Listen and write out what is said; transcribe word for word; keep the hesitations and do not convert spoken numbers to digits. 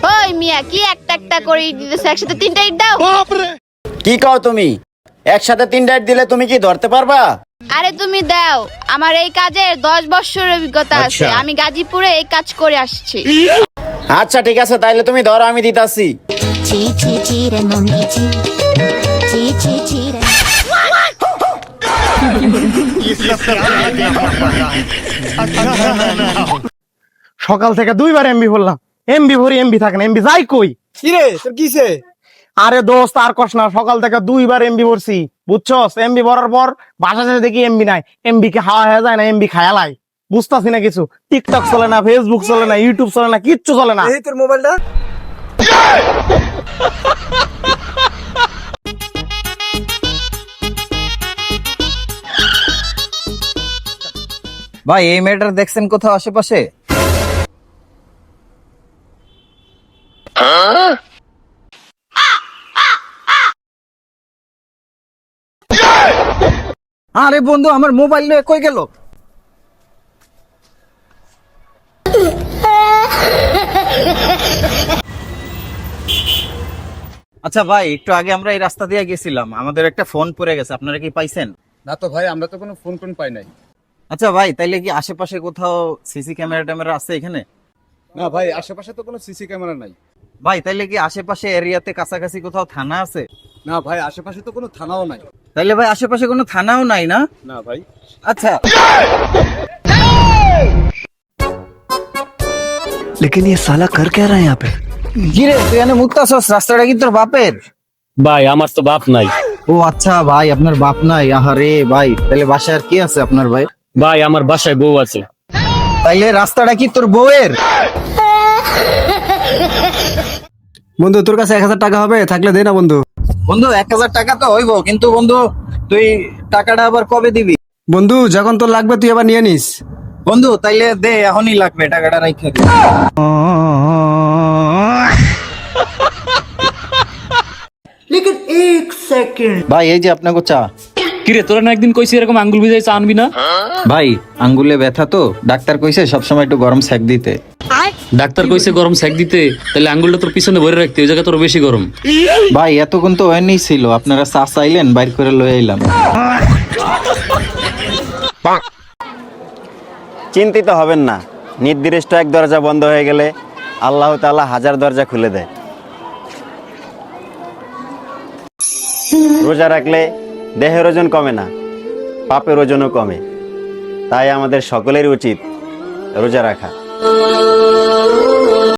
ওই মিয়া কি একটা একটা করে ইট দিতেছে, একসাথে তিনটা ইট দাও। কি কও তুমি? একসাথে তিনটা ইট দিলে তুমি কি ধরতে পারবা? আরে তুমি দাও, আমার এই কাজের দশ বছরের অভিজ্ঞতা আছে, আমি গাজীপুরে এই কাজ করে আসছি। আচ্ছা ঠিক আছে, তাইলে তুমি ধরো, আমি দিতাছি। সকাল থেকে দুইবার এমবি ভরলাম, এমবি ভরি এমবি থাকে না, এমবি যাই কই। কিরে তোর কিসে? আরে দোস্ত আর কস না, সকাল থেকে দুইবার এমবি ভরছি বুঝছস। এমবি ভরার পর বাসা শেষে দেখি এমবি নাই। এমবি কি হাওয়া হয়ে যায় না, এমবি খায়ালাই বুঝতাছি না কিছু। টিকটক চলে না, ফেসবুক চলে না, ইউটিউব চলে না, কিচ্ছু চলে না। এই তোর মোবাইলটা। ভাই এই মেয়েটার দেখছেন কোথাও আশেপাশে? আরে বন্ধু, আমার মোবাইল নিয়ে কই গেল? আচ্ছা ভাই, একটু আগে আমরা এই রাস্তা দিয়ে গেছিলাম, আমাদের একটা ফোন পড়ে গেছে, আপনারা কি পাইছেন? না তো ভাই, আমরা তো কোনো ফোন টোন পাই নাই। আচ্ছা ভাই, তাইলে কি আশেপাশে কোথাও সিসি ক্যামেরা ট্যামেরা আছে এখানে? না ভাই, আশেপাশে তো কোনো সিসি ক্যামেরা নাই। ভাই তাইলে কি আশেপাশে এরিয়াতে কাছাকাছি কোথাও থানা আছে? না ভাই, আশেপাশে তো কোনো থানাও নাই। তাইলে ভাই আশেপাশে কোনো থানাও নাই না? না ভাই। আচ্ছা लेकिन ये साला कर क्या रहा है यहाँ पे? কিরে তুই এনে মুক্তাছস, রাস্তাটা কি তোর বাপের? ভাই আমার তো বাপ নাই। ও আচ্ছা ভাই, আপনার বাপ নাই? আহারে ভাই, তাহলে বাসায় আর কি আছে আপনার ভাই? ভাই আমার বাসায় বউ আছে। তাইলে রাস্তাটা কি তোর বউয়ের? বন্ধু তোর কাছে এক হাজার টাকা হবে? থাকলে দে না বন্ধু। বন্ধু এক হাজার টাকা তো হইব, কিন্তু বন্ধু তুই টাকাটা আবার কবে দিবি? বন্ধু যখন তোর লাগবে তুই আবার নিয়ে নিস। বন্ধু তাইলে দে, এখনই লাগবে, টাকাটা রাইখা দে। ভাই এই যে আপনাকে চা। কিরে তোরা না একদিন কইছি এরকম আঙ্গুল ভিজাই চা আনবি না? ভাই আঙ্গুলে ব্যথা তো, ডাক্তার কইছে সবসময় একটু গরম সেক দিতে। ডাক্তার কইছে গরম সেক দিতে, তাহলে আঙ্গুলটা তোর পিছনে ভরে রাখতে, ওই জায়গা তোর বেশি গরম। ভাই এতক্ষণ তো ওখানেই ছিল, আপনারা চা চাইলেন, বাইর করে লয়ে এলাম। চিন্তিত হবেন না, নির্দিষ্ট এক দরজা বন্ধ হয়ে গেলে আল্লাহ তাআলা হাজার দরজা খুলে দেয়। রোজা রাখলে দেহের ওজন কমে না, পাপের ওজনও কমে। তাই আমাদের সকলেরই উচিত রোজা রাখা।